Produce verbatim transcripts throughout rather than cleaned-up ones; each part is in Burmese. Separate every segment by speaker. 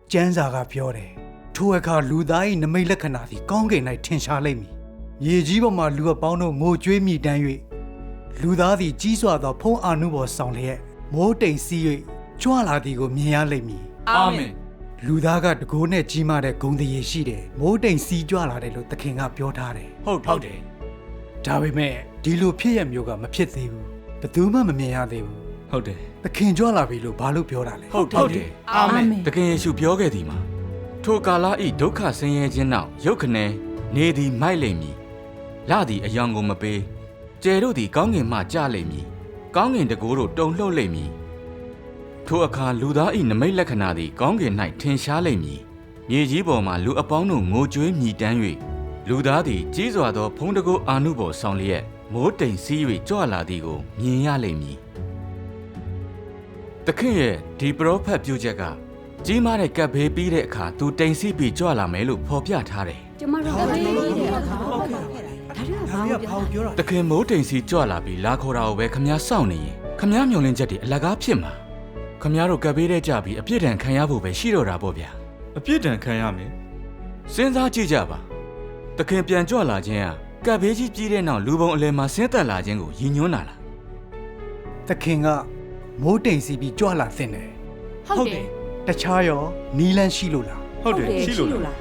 Speaker 1: ကျန်းစာကပြောတယ်ထိုအခါလူသား၏နမိတ်လက္ခဏာသည်ကောင်းကင်၌ထင်ရှားလိမ့်မည်မြေကြီးပေါ်မှလူအပေါင်းတို့ငိုကြွေးမြည်တမ်း၍လူသားသည်ကြီးစွာသောဖုံးအာနုဘော်ဆောင်လျက်မိုးတိမ်စီး၍ကြွလာသည်ကိုမြင်ရလိမ့်မည်
Speaker 2: အာမင်
Speaker 1: လူသားကတကိုးနဲ့ကြီးမားတဲ့ဂုဏ်တရေရှိတယ်မိုးတိမ်စီးကြွလာတယ်လို့သခင်ကပြောထားတယ်
Speaker 2: ဟုတ်ဟုတ်တယ်
Speaker 1: ဒါပေမဲ့ဒီလိုဖြစ်ရမျိုးကမဖြစ်သေးဘူးဘယ်သူမှမမြင်ရသေးဘူး
Speaker 2: ဟုတ်တယ်
Speaker 1: သခင်ကြွလာပြီလို့ဘာလို့ပြောတာလဲ
Speaker 2: ဟုတ်ဟုတ်တယ်အာမင်သခင်ယေရှုပြောခဲ့သည်မှာထိုကာလဤဒုက္ခဆင်းရဲခြင်းနောက်ရုတ်ခနဲနေသည်မိုက်လိမ့်မည်လသည်အယောင်ကိုမပေးကျယ်တို့သည်ကောင်းကင်မှကျလိမ့်မည်ကောင်းကင်တကိုးတို့တုန်လှုပ်လိမ့်မည်ထိုအခါလူသားဤနမိတ်လက္ခဏာသည်ကောင်းကင်၌ထင်ရှားလိမ့်မည်မြေကြီးပေါ်မှလူအပေါင်းတို့ငိုကြွေးမြည်တမ်း၍လူသားသည်ကြီးစွာသောဖုံးတကိုးအာနုဘော်ဆောင်လျက်မိုးတိမ်စီး၍ကြွလာသည်ကိုမြင်ရလိမ့်မည်သခင်ရဲ့ဒီပရောဖက်ပြုချက်ကကြီးမားတဲ့ကပ်ဘေးပြီးတဲ့အခါသူတိမ်စီးပြီးကြွလာမယ်လို့ဖော်ပြထားတယ်
Speaker 3: ကျမတို့ကဘေးပြီးတဲ့အခါဟုတ်ကဲ့ဒါတွေကဘာပြော
Speaker 2: တာသခင်မိုးတိမ်စီးကြွလာပြီးလာခေါ်တာကိုပဲခမည်းစောင့်နေရင်ခမည်းမျောလင်းချက်တွေအလကားဖြစ်မှာခမည်းတို့ကပ်ဘေးတဲ့ကြပြီးအပြစ်ဒဏ်ခံရဖို့ပဲရှိတော့တာပေါ့ဗျာ
Speaker 4: အပြစ်ဒဏ်ခံရမယ်
Speaker 2: စဉ်းစားကြည့်ကြပါသခင်ပြန်ကြွလာခြင်းဟာကပ်ဘေးကြီးကြီးတဲ့နောက်လူပုံအလယ်မှာဆင်းသက်လာခြင်းကိုရည်ညွှန်းတာလား
Speaker 1: သခင်ကမိုးတိမ်စီးပြီးကြွလာသင့်တယ်
Speaker 3: ဟုတ်တယ်
Speaker 1: တခြားရောနီလန်းရှိလို့လား
Speaker 4: ဟုတ်တယ်ရှိလို့လား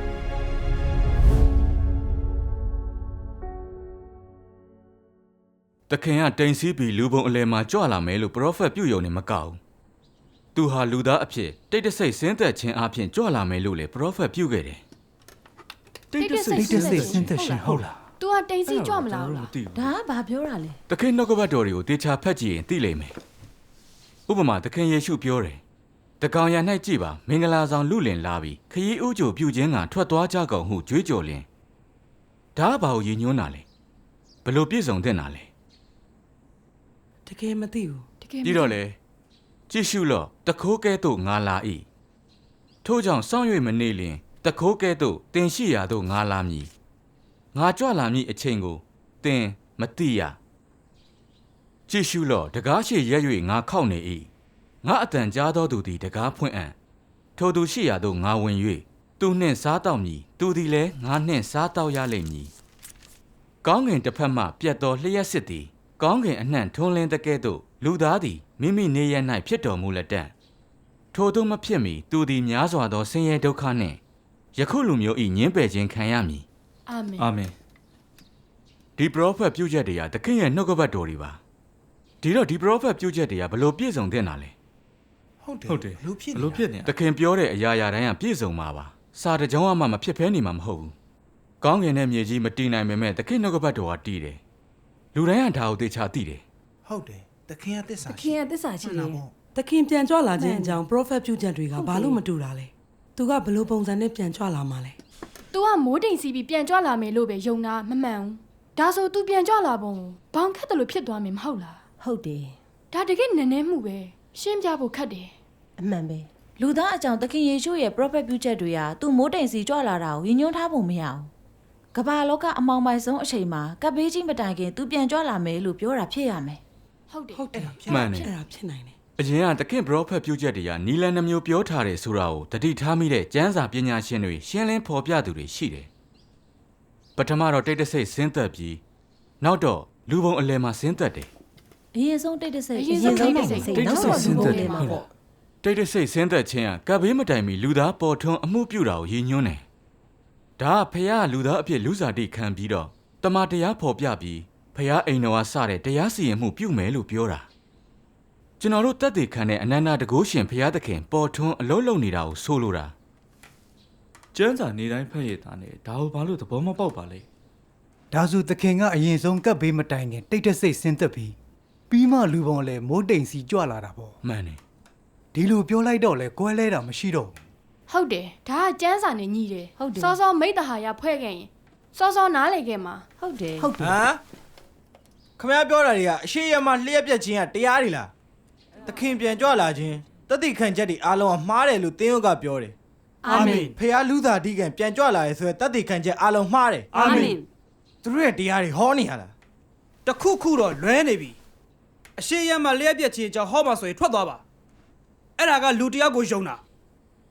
Speaker 2: သခင်ကတိမ်စီးပြီးလူပုံအလယ်မှာကြွလာမယ်လို့ပရောဖက်ပြုယုံနေမကောက်ဘူးသူဟာလူသားအဖြစ်တိတ်တဆိတ်ဆင်းသက်ခြင်းအပြင်ကြွလာမယ်လို့လေပရောဖက်ပြုခဲ့တယ်
Speaker 1: တိတ်တဆိတ်ဆင်းသက်ခြင်းဟုတ်လား
Speaker 3: तू ကတိမ်စီးကြွမလားဒါကဘာပြောတာလဲ
Speaker 2: သခင်နှုတ်ကပတ်တော်တွေကိုတေချာဖတ်ကြည့်ရင်သိလိမ့်မယ်ဥပမာသခင်ယေရှုပြောတယ်တကောင်ရ၌ကြည့်ပါမင်္ဂလာဆောင်လူလင်လာပြီးခရီးဥကြိုပြုခြင်းကထွက်သွားကြကုန်ဟုကြွေးကြော်လင်ဒါကဘာကိုရည်ညွှန်းတာလဲဘလို့ပြည့်စုံတဲ့နာလဲ
Speaker 5: တကယ်မသိဘူး
Speaker 2: ပြီးတော့လေကြည့်ရှုလော့တခိုးကဲ့သို့ငါလာ၏ထို့ကြောင့်စောင့်၍မနေလျင်တခိုးကဲ့သို့တင်ရှိရာသို့ငါလာမည်ငါကြွလာမည်အချိန်ကိုတင်မသိရကြည့်ရှုလော့တကားရှိရက်၍ငါခောက်နေ၏ငါအတန်ကြားသောသူသည်တကားဖွင့်အံ့ထိုသူရှိရာသို့ငါဝင်၍သူနှင့်စားတောက်မည်သူသည်လည်းငါနှင့်စားတောက်ရလိမ့်မည်ကောင်းကင်တစ်ဖက်မှပြတ်သောလျှက်စစ်သည်ကောင်းကင်အနှံ့ထွန်းလင်းတဲ့ကဲ့သို့လူသားသည်မိမိနေရ၌ဖြစ်တော်မူလက်တံထိုသို့မဖြစ်မီသူသည်များစွာသောဆင်းရဲဒုက္ခနှင့်ယခုလူမျိုး၏ညှင်းပယ်ခြင်းခံရမည်
Speaker 3: အာမင်
Speaker 2: အာမင်ဒီပရောဖက်ပြုချက်တွေကသခင်ရဲ့နှုတ်ကပတ်တော်တွေပါဒီတော့ဒီပရောဖက်ပြုချက်တွေကဘလို့ပြည့်စုံတဲ့နာလဲ
Speaker 4: ဟုတ်တယ်ဟုတ်တယ်ဘလို့ဖြစ်ဘလို့ဖြစ်နေတာ
Speaker 2: သခင်ပြောတဲ့အရာရာတိုင်းကပြည့်စုံမှာပါစာတကြောင်းမှမဖြစ်ဖဲနေမှာမဟုတ်ဘူးကောင်းကင်နဲ့မြေကြီးမတည်နိုင်ပေမဲ့သခင်နှုတ်ကပတ်တော်ကတည်တယ်လူတိုင်းကဒါကိုသိချာသိတယ်
Speaker 6: ဟုတ်တယ်သခင်ကသစ္စာ
Speaker 3: သခင်ကသစ္စာရှိတယ်
Speaker 5: သခင်ပြန်ကြွလာခြင်းအကြောင်း prophet ပြုချက်တွေကဘာလို့မတူတာလဲသူကဘလို့ပုံစံနဲ့ပြန်ကြွလာမှာလဲ
Speaker 3: तू ကမိုးတိမ်စီးပြီးပြန်ကြွလာမယ်လို့ပဲယုံတာမမှန်ဘူးဒါဆို तू ပြန်ကြွလာပုံဘောင်ခတ်တယ်လို့ဖြစ်သွားမယ်မဟုတ်လား
Speaker 7: ဟုတ်တယ်
Speaker 3: ဒါတကယ်နည်းနည်းမှုပဲရှင်းပြဖို့ခက်တယ်
Speaker 7: အမှန်ပဲလူသားအကြောင်းသခင်ယေရှုရဲ့ prophet ပြုချက်တွေကသူမိုးတိမ်စီကြွလာတာကိုရည်ညွှန်းထားပုံမရဘူးကမ္ဘာလောကအမောင်မိုက်ဆုံးအချိန်မှာကပ်ဘေးကြီးမတိုင်ခင်သူပြန်ကြွလာမယ်လို့ပြောတာဖြစ်ရမယ်
Speaker 3: ဟုတ်တယ်
Speaker 5: ဟုတ်တယ်
Speaker 2: မှန်တယ်
Speaker 5: အဲ့ဒါဖြစ်နိုင်တယ်
Speaker 2: အရင်ကသခင်ပရောဖက်ပြုချက်တွေကနီလန်နှမျိုးပြောထားတယ်ဆိုတာကိုတတိထားမိတဲ့ကျမ်းစာပညာရှင်တွေရှင်းလင်းဖော်ပြသူတွေရှိတယ်ပထမတော့တိတ်တဆိတ်ဆင်းသက်ပြီးနောက်တော့လူပုံအလယ်မှာဆင်းသက်တယ်
Speaker 7: အရင်ဆုံးတိတ်တဆိတ်
Speaker 3: အရင်ဆုံးတိတ်တဆိတ်
Speaker 2: နောက်တော့ဆင်းသက်တယ်ဟုတ်လားတိတ်တဆိတ်ဆင်းသက်ခြင်းကကပ်ဘေးမတိုင်မီလူသားပေါ်ထွန်းအမှုပြုတာကိုရည်ညွှန်းတယ်ဒါကဖခင်ကလူသားအဖြစ်လူစားတိခံပြီးတော့တမန်တရားဖော်ပြပြီးဖခင်အိမ်တော်ကစတဲ့တရားစီရင်မှုပြုမယ်လို့ပြောတာကျွန်တော်တို့တက်တည်ခံတဲ့အနန္တတကုရှင်ဖခင်သခင်ပေါ်ထွန်းအလုံးလုံးနေတာကိုဆိုလိုတာ
Speaker 4: ကျမ်းစာနေတိုင်းဖတ်ရတာနဲ့ဒါကိုဘာလို့သဘောမပေါက်ပါလဲ
Speaker 1: ဒါဆိုသခင်ကအရင်ဆုံးကပ်ဘေးမတိုင်ခင်တိတ်တဆိတ်ဆင်းသက်ပြီးပြီးမှလူပုံလည်းမိုးတိမ်စီကြွလာတာပေါ့
Speaker 2: မှန်တယ်
Speaker 1: ဒီလိုပြောလိုက်တော့လေကွဲလဲတာမရှိတော့ဘူး
Speaker 3: ဟုတ်တယ်ဒါကကျန်းစာနဲ့ညီတယ်စောစောမိတ္တဟာရဖွဲ့ခဲ့ရင်စောစောနားလေခဲ့မှာ
Speaker 7: ဟုတ်တယ်
Speaker 6: ဟုတ်တယ်ဟမ်ခမရပြောတာတွေကအရှိရမလျှက်ပြက်ခြင်းကတရားတွေလားသခင်ပြန်ကြွလာခြင်းတတိခံချက်တွေအားလုံးကမှားတယ်လို့သင်တို့ကပြောတယ်
Speaker 3: အာမင်
Speaker 6: ဖခင်လူသားဒီကံပြန်ကြွလာရဲဆိုရင်တတိခံချက်အားလုံးမှားတယ်
Speaker 3: အာမင်
Speaker 6: သူတို့ရဲ့တရားတွေဟောနေရလား
Speaker 8: တခုခုတော့လွဲနေပြီအရှိရမလျှက်ပြက်ခြင်းကြောင့်ဟောမှာဆိုရင်ထွက်သွားပါအဲ့ဒါကလူတယောက်ကိုယုံတာ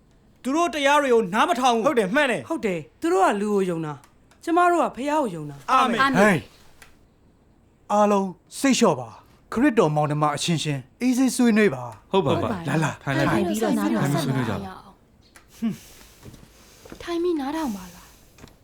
Speaker 8: သူတို့တရားတွေကိုနားမထောင်ဘူး
Speaker 6: ဟုတ်တယ်မှန်တယ်
Speaker 5: ဟုတ်တယ်သူတို့ကလူကိုယုံတာကျမတို့ကဖះကိုယုံတာ
Speaker 6: အာမင်
Speaker 3: အာမ
Speaker 1: ဟေး
Speaker 3: င်
Speaker 1: အားလုံးစိတ်လျှော့ပါခရစ်တော်မောင်နှမအချင်းချင်းအေးစိတ်ဆွေးနွေးပါ
Speaker 4: ဟုတ်ပါပါ
Speaker 1: လာလာ
Speaker 4: ထိုင်လိုက်
Speaker 7: ထို
Speaker 4: ပြီ
Speaker 7: င်ပြီးတော့နားထောင်
Speaker 4: ထိုင်ပြီးဆွေးနွေးကြပါ
Speaker 3: ထိုင်ပြီးနားထောင်ပါလား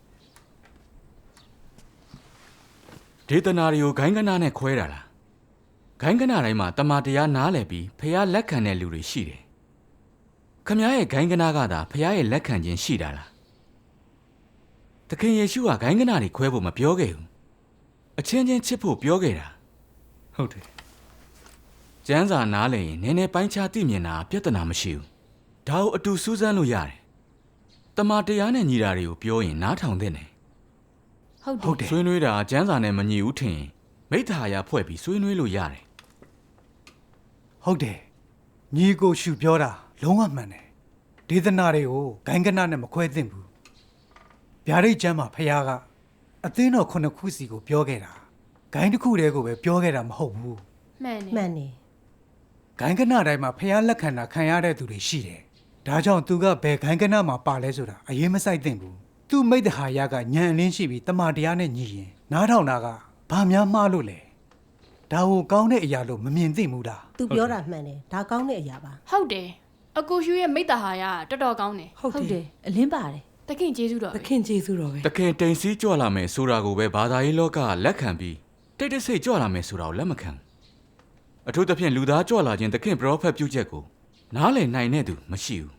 Speaker 2: ဒေသနာတွေကိုဂိုင်းကနာနဲ့ခွဲတာလားဂိုင်းကနာတိုင်းမှာတမန်တရားနားလည်ပြီးဖះလက်ခံတဲ့လူတွေရှိတယ်ခမည်းရဲ့ဂိုင်းကနာကသာဖះရဲ့လက်ခံခြင်းရှိတာလားသခင်ယေရှုကဂိုင်းကနာတွေခွဲဖို့မပြောခဲ့ဘူးအချင်းချင်းချစ်ဖို့ပြောခဲ့တာ
Speaker 4: ဟုတ်တယ်
Speaker 2: ကျမ်းစာနားလည်ရင်နည်းနည်းပိုင်းခြားသိမြင်တာပြဿနာမရှိဘူးဒါကိုအတူစူးစမ်းလို့ရတယ်တမန်တရားနဲ့ညီတာတွေကိုပြောရင်နားထောင်သင့်တယ်
Speaker 7: ဟုတ်တယ်
Speaker 2: ဆွေးနွေးတာကျမ်းစာနဲ့မညီဘူးထင်ရင်မိတ္တာယာဖွဲ့ပြီးဆွေးနွေးလို့ရတယ်
Speaker 1: ဟုတ်တယ်ညီကိုရှုပြောတာလုံးဝမှန်တယ်ဒေသနာတွေကိုဂိုင်းကနနဲ့မခွဲသင့်ဘူးဗျာဒိတ်ကျမ်းမှာဖះကအသင်းတော်ခုနှစ်ခုစီကိုပြောခဲ့တာဂိုင်းတစ်ခုတည်းကိုပဲပြောခဲ့တာမဟုတ်ဘူး
Speaker 3: မှန်တယ်
Speaker 9: မှန်နေ
Speaker 1: ဂိုင်းကနတိုင်းမှာဖះလက်ခံတာခံရတဲ့သူတွေရှိတယ်ဒါကြောင့်သူကဘယ်ဂိုင်းကနမှာပါလဲဆိုတာအရေးမဆိုင်သင့်ဘူးသူ့မိတ္တဟာယကညံအလင်းရှိပြီးတမန်တရားနဲ့ညီရင်နားထောင်တာကဘာများမှားလို့လဲဒါကိုကောင်းတဲ့အရာလို့မမြင်သင့်ဘူးလား
Speaker 9: သူပြောတာမှန်တယ်ဒါကောင်းတဲ့အရာပါ
Speaker 3: ဟုတ်တယ်အကိုရှူရဲ့မိတ္တဟာရတော်တော်ကောင်းတယ်
Speaker 5: ဟုတ်
Speaker 7: ဟုတ်တ
Speaker 5: တယ်
Speaker 7: ယ်အလင်းပါတယ်
Speaker 3: တခင်ကျေးဇူးတော်
Speaker 5: သ
Speaker 3: ပဲ
Speaker 5: ခင်ကျေးဇူးတော်ပဲ
Speaker 2: တခင်တိမ်စီးကြွလာမယ်ဆိုတာကိုပဲဘာသာရေးလောကကလက်ခံပြီးတိတ်တဆိတ်ကြွလာမယ်ဆိုတာကိုလက်မခံအထူးသဖြင့်လူသားကြွလာခြင်းတခင်ပရောဖက်ပြုချက်ကိုနားလည်နိုင်တဲ့သူမရှိဘူး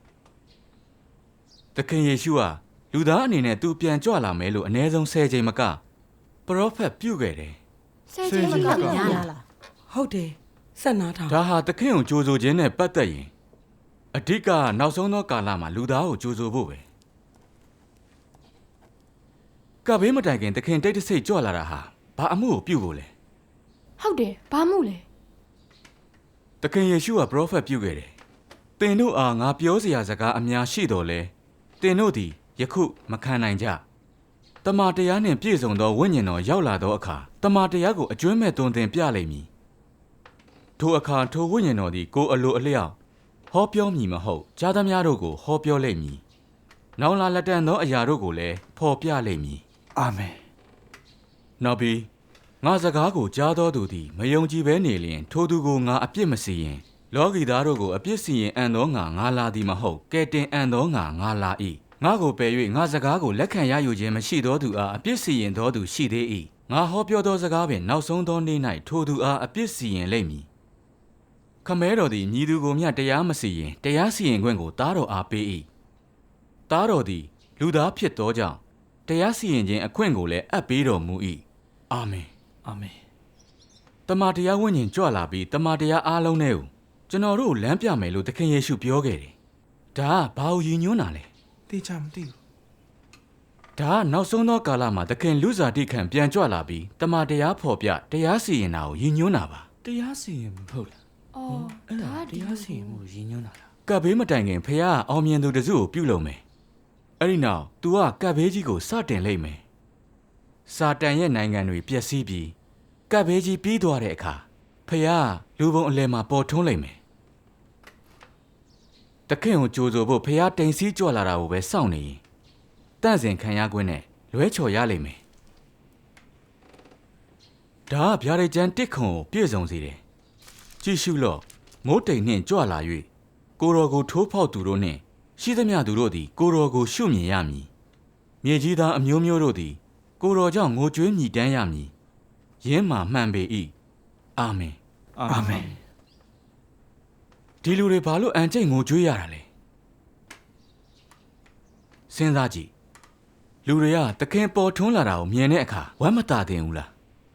Speaker 2: တခင်ယေရှုဟာလူသားအနေနဲ့သူပြန်ကြွလာမယ်လို့အနည်းဆုံး၁၀ချိန်မကပရောဖက်ပြုခဲ့တယ်
Speaker 3: ဆယ်ချင်းမက
Speaker 9: ညာ
Speaker 3: ဘူး
Speaker 9: လားလား
Speaker 5: ဟုတ်တယ်ဆက်နာထောင်
Speaker 2: ဒါဟာတခင်ကိုကြိုးဆိုခြင်းနဲ့ပတ်သက်ရင်အဓိကနောက်ဆုံးသောကာလမှာလူသားကိုကြိုးဆိုဖို့ပဲကဘေးမတိုင်ခင်တခင်တိတ်တဆိတ်ကြွလာတာဟာဘာအမှုကိုပြုဖို့လဲ
Speaker 3: ဟုတ်တယ်ဘာမှုလဲ
Speaker 2: တခင်ယေရှုကပရောဖက်ပြုခဲ့တယ်။သင်တို့အားငါပြောစရာစကားအများရှိတော်လဲ။သင်တို့သည်ယခုမခံနိုင်ကြ။တမန်တရားနှင့်ပြည့်စုံသောဝိညာဉ်တော်ရောက်လာသောအခါတမန်တရားကိုအကျွမ်းမဲ့သွန်သင်ပြလိမ့်မည်။ထိုအခါထိုဝိညာဉ်တော်သည်ကိုယ်အလိုအလျောက်ဟောပြောမည်မဟုတ်။ကြားသမျှတို့ကိုဟောပြောလိမ့်မည်။နောင်လာလက်တန်သောအရာတို့ကိုလည်းဖော်ပြလိမ့်မည်
Speaker 1: အာမင်
Speaker 2: ။နောက်ပြီးငါစကားကိုကြားတော်သူသည်မယုံကြည်ဘဲနေလျင်ထိုသူကိုငါအပြစ်မစီရင်လောကီသားတို့ကိုအပြစ်စီရင်အံ့သောငါငါလာသည်မဟုတ်ကဲတင်အံ့သောငါငါလာ၏ငါကိုပယ်၍ငါစကားကိုလက်ခံရယူခြင်းမရှိသောသူအားအပြစ်စီရင်သောသူရှိသေး၏ငါဟောပြောသောစကားပင်နောက်ဆုံးသောနေ့၌ထိုသူအားအပြစ်စီရင်လိမ့်မည်ခမဲတော်သည်မြည်သူကိုမျှတရားမစီရင်တရားစီရင်ခွင့်ကိုသားတော်အားပေး၏သားတော်သည်လူသားဖြစ်သောကြောင့်တရားစီရင်ခြင်းအခွင့်ကိုလည်းအပ်ပေးတော်မူ၏အာမင်
Speaker 4: အာမင်
Speaker 2: တမန်တရားဝိညာဉ်ကြွလာပြီးတမန်တရားအားလုံးနဲ့ကိုကျွန်တော်တို့လမ်းပြမယ်လို့သခင်ယေရှုပြောခဲ့တယ်။ဒါကဘာကိုရည်ညွှန်းတာလဲ
Speaker 6: တေချာမသိဘူး
Speaker 2: ။ဒါကနောက်ဆုံးသောကာလမှာသခင်လူစားတိခံပြန်ကြွလာပြီးတမန်တရားဖော်ပြတရားစီရင်တာကိုရည်ညွှန်းတာပါ
Speaker 4: တရားစီရင်မဟုတ်လား
Speaker 3: အော်
Speaker 4: အဲ့ဒါ
Speaker 3: ဒါဒီ
Speaker 4: တရားစီရင်မှုရည်ညွှန်းတာလား
Speaker 2: ။ကပ်ဘေးမတိုင်ခင်ဖခင်ကအောင်မြင်သူတစုကိုပြုလုပ်မယ်။အဲ့ဒီနောက် तू ကကပ်ဘေးကြီးကိုစတင်လိုက်မယ်။စာတန်ရဲ့နိုင်ငံတွေပျက်စီးပြီးကပ်ဘေးကြီးပြီးသွားတဲ့အခါဖခင်ကလူပုံအလယ်မှာပေါ်ထွန်းလိုက်မယ်။တခင်ကိုကြိုးဆိုဖို့ဖခင်တိမ်စီးကြွလာတာကိုပဲစောင့်နေရင်တန့်စင်ခံရခွင့်နဲ့လွဲချော်ရလိမ့်မယ်။ဒါကဗျာဒိတ်ကျမ်းတစ်ခွန်ကိုပြည့်စုံစေတယ်။ကြည့်ရှုလော့မိုးတိမ်နှင့်ကြွလာ၍ကိုတော်ကိုထိုးဖောက်သူတို့နှင့်ရှိသမျှသူတို့သည်ကိုတော်ကိုရှုမြင်ရမည်။မြေကြီးသားအမျိုးမျိုးတို့သည်ကိုတော်ကြောင့်ငိုကြွေးမြည်တမ်းရမည်။ယင်းမှာမှန်ပေ၏။အာမင်
Speaker 4: အာမင်
Speaker 2: ဒီလူတွေဘာလို့အန်ကျိတ်ငိုကြွေးရတာလဲစဉ်းစားကြည့်လူတွေကတခင်ပေါ်ထွန်းလာတာကိုမြင်တဲ့အခါဝမ်းမသာတင်ဘူးလား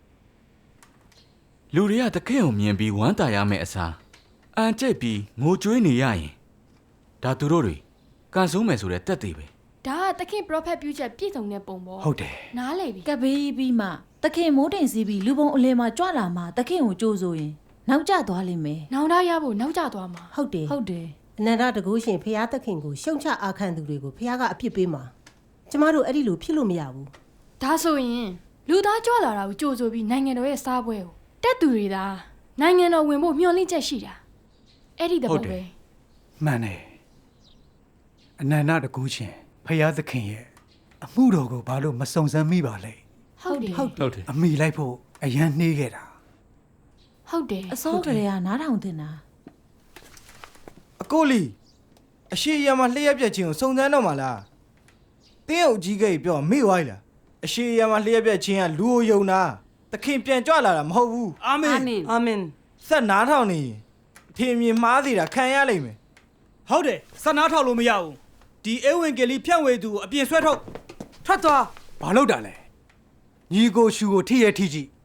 Speaker 2: လူတွေကတခင်ကိုမြင်ပြီးဝမ်းသာရမယ့်အစားအန်ကျိတ်ပြီးငိုကြွေးနေရရင်ဒါသူတို့တွေကန်ဆိုးမယ်ဆိုတဲ့တက်သေးပဲ
Speaker 3: ဒါကသခင်ပရောဖက်ပြုချက်ပြည့်စုံတဲ့ပုံပေါ့
Speaker 1: ဟုတ်တယ်
Speaker 3: နားလေပြီ
Speaker 7: ကပ်ဘေးပြီးမှသခင်မိုးတိမ်စီးပြီးလူပုံအလယ်မှာကြွလာမှသခင်ကိုကြိုးဆိုရင်နောက်ကျသွားလိမ့်မယ်
Speaker 3: နောင်တရဖို့နောက်ကျသွားမှာ
Speaker 9: ဟုတ်တယ်
Speaker 7: ဟုတ်တယ်
Speaker 9: အနန္တတကုရှင်ဖျားသခင်ကိုရှုံချအာခံသူတွေကိုဖျားကအပြစ်ပေးမှာကျမတို့အဲ့ဒီလိုဖြစ်လို့မရဘူး
Speaker 3: ဒါဆိုရင်လူသားကြွလာတာကိုကြိုဆိုပြီးနိုင်ငံတော်ရဲ့စားပွဲကိုတက်သူတွေသာနိုင်ငံတော်ဝင်ဖို့မျှော်လင့်ချက်ရှိတာအဲ့ဒီတ
Speaker 1: ဟု
Speaker 3: ဘော
Speaker 1: တ်တ
Speaker 3: ပဲ
Speaker 1: ယ်မှန်တယ်အနန္တတကူချင်းဖရာသခင်ရဲ့အမှုတော်ကိုဘာလို့မစုံစမ်းမိပါလဲ
Speaker 3: ဟုတ်တယ်
Speaker 4: ဟုတ်တယ်
Speaker 1: အမိလိုက်ဖို့အရန်နှေးခဲ့တာ
Speaker 3: ဟုတ်တယ်
Speaker 7: အစောကလေးကနားထောင်တင်တာ
Speaker 6: အကိုလီအရှိရမှာလျှက်ပြက်ချင်းကိုစုံစမ်းတော့မှာလားတင်းရဲ့အကြီးကြီးပြောမိဝိုင်းလားအရှိရမှာလျှက်ပြက်ချင်းကလူကိုယုံတာသခင်ပြန်ကြွလာတာမဟုတ်ဘူး
Speaker 8: အာမင်
Speaker 5: အာမင်
Speaker 6: ဆက်နားထောင်နေရင်အထင်မြင်မှားစီတာခံရလိမ့်မယ်
Speaker 8: ဟုတ်တယ်စနားထောက်လို့မရဘူးဒီဧဝံဂေလိဖြန့်ဝေသူကိုအပြင်ဆွဲထုတ်ထွက်သွား
Speaker 1: ဘာလို့တာလဲညီကိုရှူကိုထိရထိကြည့်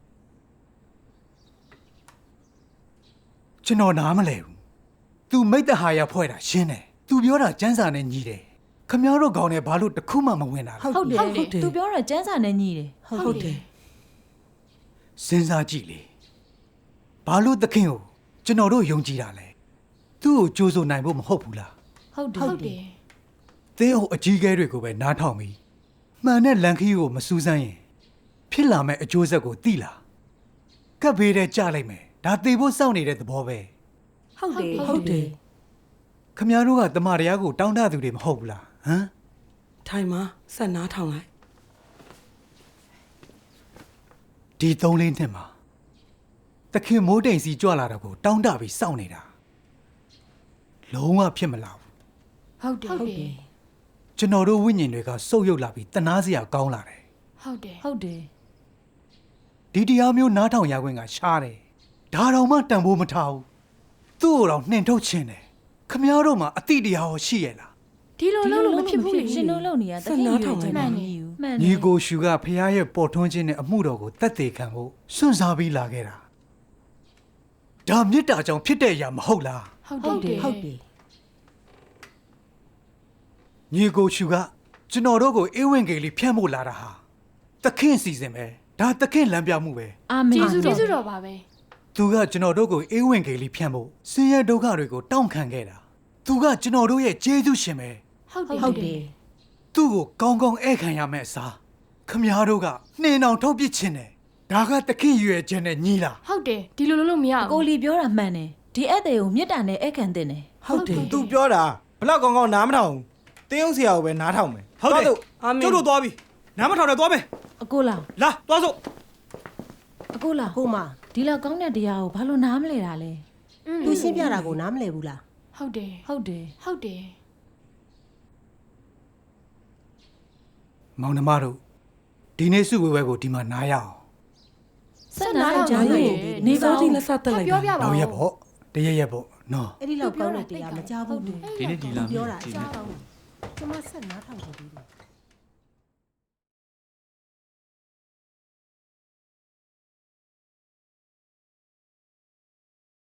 Speaker 1: ကျွန်တော်နားမလဲဘူး तू မိတ်တဟာရဖွဲ့တာရှင်းတယ် तू ပြောတာစန်းစာနဲ့ညီတယ်ခမည်းတော်ကောင်းနဲ့ဘာလို့တစ်ခုမှမဝင်တာလဲ
Speaker 7: ဟုတ်တယ်သူပြောတော့ကျန်းစာနဲ့ညီတယ်
Speaker 5: ဟုတ်တယ်
Speaker 1: စဉ်းစားကြည့်လေဘာလို့သခင်ကိုကျွန်တော်တို့ယုံကြည်တာလဲသူ့ကိုကြိုးစိုးနိုင်ဖို့မဟုတ်ဘူးလား
Speaker 7: ဟုတ်တယ်
Speaker 3: ဟုတ်တယ်
Speaker 1: သင်ဟိုအကြီးကဲတွေကိုပဲနားထောင်ပြီးမှန်တဲ့လန်ခီးကိုမစူးစမ်းရင်ဖြစ်လာမဲ့အကျိုးဆက်ကိုသိလားကပ်ဘေးတဲ့ကြလိုက်မယ်ဒါသေဖို့စောင့်နေတဲ့သဘောပဲ
Speaker 5: ဟုတ်တယ်ဟုတ်တယ်
Speaker 1: ခမည်းတော်ကတမန်တော်ကိုတောင်းတသူတွေမဟုတ်ဘူးလားဟမ်
Speaker 5: ထိုင်မှာဆက်နားထောင်လိုက်
Speaker 1: ဒီသုံးလေးနှစ်မှာသခင်မိုးတိမ်စီကြွလာတာကိုတောင်းတပြီးစောင့်နေတာလုံးဝဖြစ်မလာဘူး
Speaker 3: ဟုတ်တယ်
Speaker 7: ဟုတ်တယ်
Speaker 1: ကျွန်တော်တို့ဝိညာဉ်တွေကစုပ်ယုပ်လာပြီးတနာစရာကောင်းလာတယ်
Speaker 3: ဟုတ်တယ်
Speaker 7: ဟုတ်တယ်
Speaker 1: ဒီတရားမျိုးနားထောင်ရခွင့်ကရှားတယ်ဒါတော့မှတန်ဖိုးမထားဘူးသူ့ကိုတော့နှင်ထုတ်ခြင်းတယ်ခမည်းတော်မှာအတိတရားရောရှိရဲ့လား
Speaker 3: ဒီလိုလုပ်လို့မဖြစ်ဘူးလေ
Speaker 7: ရှင်တို့လုံနေရတခင်ရွေးချင်မှန်နေယူမှန်
Speaker 1: ညီကိုရှူကဖခင်ရဲ့ပေါ်ထွန်းခြင်းနဲ့အမှုတော်ကိုတတ်သိခံဖို့စွန့်စားပြီးလာခဲ့တာဒါမေတ္တာကြောင့်ဖြစ်တဲ့အရာမဟုတ်လား
Speaker 3: ဟုတ်တယ်
Speaker 9: ဟုတ်တယ်
Speaker 1: ညီကိုရှူကကျွန်တော်တို့ကိုအေးဝင်ကေလေးဖြန့်ဖို့လာတာဟာသခင်စီစဉ်ပဲဒါသခင်လမ်းပြမှုပဲ
Speaker 7: အာမင်
Speaker 3: ကျေးဇူးကျေးဇူးတော်ပါပဲ
Speaker 1: သူကကျွန်တော်တို့ကိုအေးဝင်ကေလေးဖြန့်ဖို့ဆင်းရဲဒုက္ခတွေကိုတောင်းခံခဲ့တာသူကကျွန်တော်တို့ရဲ့ကျေးဇူးရှင်ပဲ
Speaker 3: ဟုတ်တယ်
Speaker 9: ဟုတ်တယ်
Speaker 1: သူ့ကိုကောင်းကောင်းဧည့်ခံရမယ့်အစားခမည်းတော်ကနှင်းအောင်ထုတ်ပစ်ခြင်းတယ်ဒါကသခင်ရွယ်ခြင်းနဲ့ညီလား
Speaker 3: ဟုတ်တယ်ဒီလိုလုပ်လို့မရ
Speaker 7: ကို
Speaker 3: ဘူး
Speaker 7: လီပြောတာမှန်တယ်ဒီအဲ့တဲ့ကိုမြစ်တာနဲ့အဲ့ခံတင်တယ်
Speaker 5: ဟုတ်တယ်
Speaker 6: သူပြောတာဘလောက်ကောင်းကောင်းနားမထောင်ဘူးတင်းအောင်ဆရာကိုပဲနားထောင်မယ်
Speaker 8: ဟုတ်တယ်
Speaker 6: သွားစို့
Speaker 5: အာမင်
Speaker 8: ကျုပ်တို့သွားပြီနားမထောင်နဲ့သွားမယ်
Speaker 7: အကိုလာ
Speaker 8: လာသွားစို့
Speaker 7: အကိုလာ
Speaker 9: ကိုမ
Speaker 7: ဒီလောက်ကောင်းတဲ့တရားကိုဘာလို့နားမလဲတာလဲ
Speaker 9: သူရှင်းပြတာကိုနားမလည်ဘူးလား
Speaker 3: ဟုတ်တယ်
Speaker 7: ဟုတ်တယ်
Speaker 3: ဟုတ်တယ်
Speaker 1: မောင်နှမတို့ဒီနေ့စုဝေးပွဲကိုဒီမှာနားရအောင်
Speaker 7: ဆက်နားကြလို့နေ
Speaker 5: စော
Speaker 7: ပါ
Speaker 5: တိ
Speaker 7: ဦး
Speaker 5: လက်ဆက်တက်လိုက်
Speaker 3: ပြောပြ
Speaker 5: တာ
Speaker 3: ပါ
Speaker 1: နောက်
Speaker 3: ဦး
Speaker 1: ရက်ပေါ့တရက်ရက်ပေါ့နော်
Speaker 9: အဲ့ဒီလောက်ကောင်းတဲ့တရားမကြဘူးဘူး
Speaker 4: ဒီနေ့ဒီလာ
Speaker 9: ပြောတာ
Speaker 4: ဒီ
Speaker 9: ကြား
Speaker 4: နေ့
Speaker 9: ကောင်းတယ်ကျမဆက်နားထောင်ကြည့်တယ်